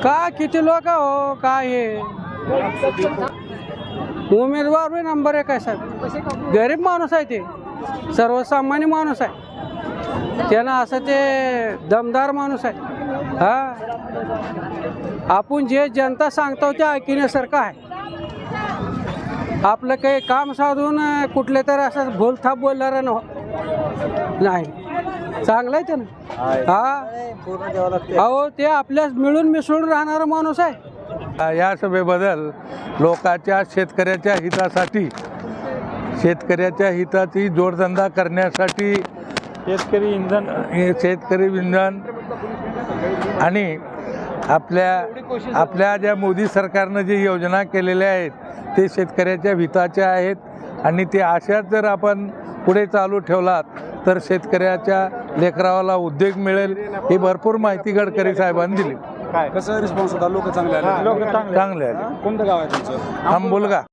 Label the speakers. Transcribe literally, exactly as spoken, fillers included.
Speaker 1: का किती लोक हो काय हे उमेदवार बी नंबर एक आहे साहेब. गरीब माणूस आहे ते, सर्वसामान्य माणूस आहे. त्यानं असं ते दमदार माणूस आहे. हा आपण जे जनता सांगतो ते ऐकण्यासारखं आहे. आपलं काही काम साधून कुठले तर असं भूलथाप बोलणार नाही. चांगलं आहे त्यानं. हा अहो ते आपल्यास मिळून मिसळून राहणारा माणूस आहे.
Speaker 2: या सभेबद्दल लोकांच्या शेतकऱ्याच्या हितासाठी शेतकऱ्याच्या हिताची जोडधंदा करण्यासाठी शेतकरी इंधन शेतकरी इंधन आणि आपल्या आपल्या ज्या मोदी सरकारनं जी योजना केलेल्या आहेत ते शेतकऱ्याच्या हिताच्या आहेत. आणि ते अशाच जर आपण पुढे चालू ठेवलात तर शेतकऱ्याच्या लेकरावाला उद्योग मिळेल. ही भरपूर माहिती गडकरी साहेबांनी दिली.
Speaker 3: कसं रिस्पॉन्स होता? लोक चांगले आले.
Speaker 2: चांगले आले.
Speaker 3: कोणतं गाव आहे तुमचं?
Speaker 2: आंबुलगा.